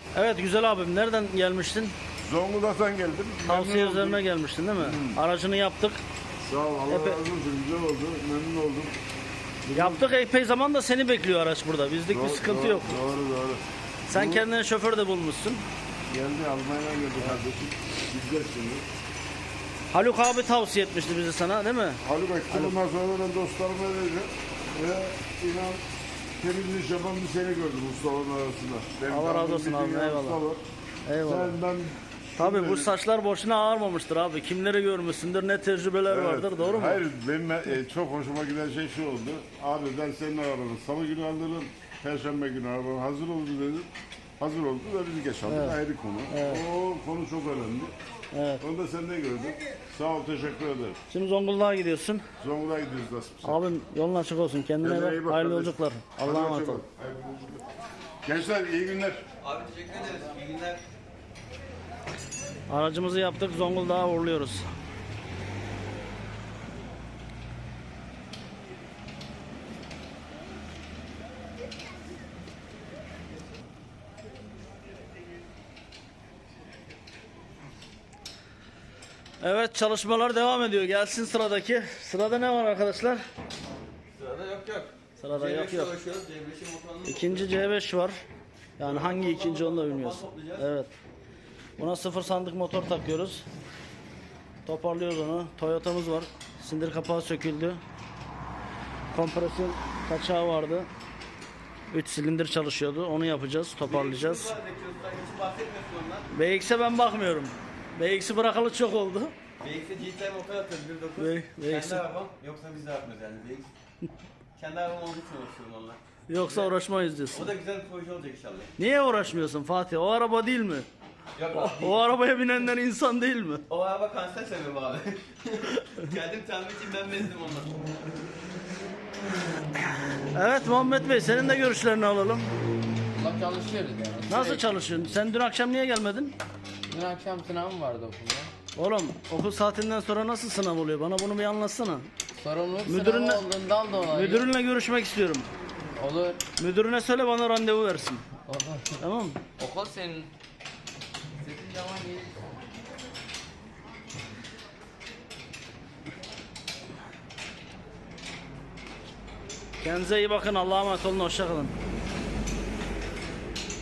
Evet güzel abim, nereden gelmiştin? Zonguldak'tan geldim. Tavsiye Memnun üzerine oldum. gelmiştin değil mi? Aracını yaptık. Sağ ol, Allah Epe- razı olsun. Güzel oldu. Memnun oldum. Yaptık, epey zaman da seni bekliyor araç burada. Bizlik bir sıkıntı yok. Doğru. Sen kendine şoför de bulmuşsun. Geldi, Almanya'dan geldi kardeşim. Gideceğiz şimdi. Haluk abi tavsiye etmişti bizi sana değil mi? Haluk etti. Bundan sonra ben dostlarıma vereceğim. Ve inan temiz iş yapan bir seni gördüm ustaların arasında. Benim Allah razı tanıdığım olsun bir abi, dünya eyvallah. usta var. Eyvallah. Sen, ben... Tabii bu saçlar boşuna ağarmamıştır abi. Kimleri görmüşsündür, ne tecrübeler Evet, vardır, doğru mu? Hayır, benim çok hoşuma giden şey şu oldu. Abi ben senin arabanı salı günü alırım, perşembe günü arabanın hazır oldu dedim. Hazır oldu ve biz geç aldık, ayrı konu. O konu çok önemli. Evet. Onu da senden gördüm. Sağ ol, teşekkür ederim. Şimdi Zonguldak'a gidiyorsun. Zonguldak'a gidiyoruz nasipse. Abim yolun açık olsun. Kendine Kendine iyi bak. bak Hayırlı kardeşim. yolculuklar. Hadi Allah'a emanet hoşça ol. kal. Hayırlı yolculuklar. Gençler iyi günler. Abi teşekkür ederiz. İyi günler. Aracımızı yaptık. Zonguldak'a uğurluyoruz. Evet, çalışmalar devam ediyor. Gelsin sıradaki. Sırada ne var arkadaşlar? Sırada yok. Sırada yok. Uğraşıyoruz. Devleşim motorunun İkinci C5 var. Yani hangi ikinci onu da bilmiyoruz. Evet. Buna sıfır sandık motor takıyoruz. Toparlıyoruz onu. Toyota'mız var. Sindir kapağı söküldü. Kompresyon kaçağı vardı. 3 silindir çalışıyordu. Onu yapacağız. Toparlayacağız. hiç bahsetmiyorsun ondan. BX'e ben bakmıyorum. BX'i bırakalı çok oldu. BX'e GT'ye motor atıyoruz 1.9. BX. Kendi arabam. Yoksa biz de yapmıyoruz yani BX. Kendi arabam olduğu için uğraşıyorum onunla. Yoksa uğraşmayız diyorsun. O da güzel bir proje olacak inşallah. Niye uğraşmıyorsun Fatih? O araba değil mi? Yok abi değil. O arabaya binenler insan değil mi? O araba kanser sebebi abi. Kendim tamir için ben bezdim ondan. Evet Muhammed Bey, senin de görüşlerini alalım. Valla çalışıyoruz yani. Nasıl Sürekli. çalışıyorsun? Sen dün akşam niye gelmedin? Dün akşam sınavım vardı okulda. Oğlum okul saatinden sonra nasıl sınav oluyor? Bana bunu bir anlatsana. Sorumluluk Müdürünle- sınavı olduğundan dolayı. Müdürünle görüşmek istiyorum. Olur. Müdürüne söyle bana randevu versin. Olur. Tamam mı? Okul senin. Senin zaman değil. Kendinize iyi bakın. Allah'a emanet olun. Hoşça kalın.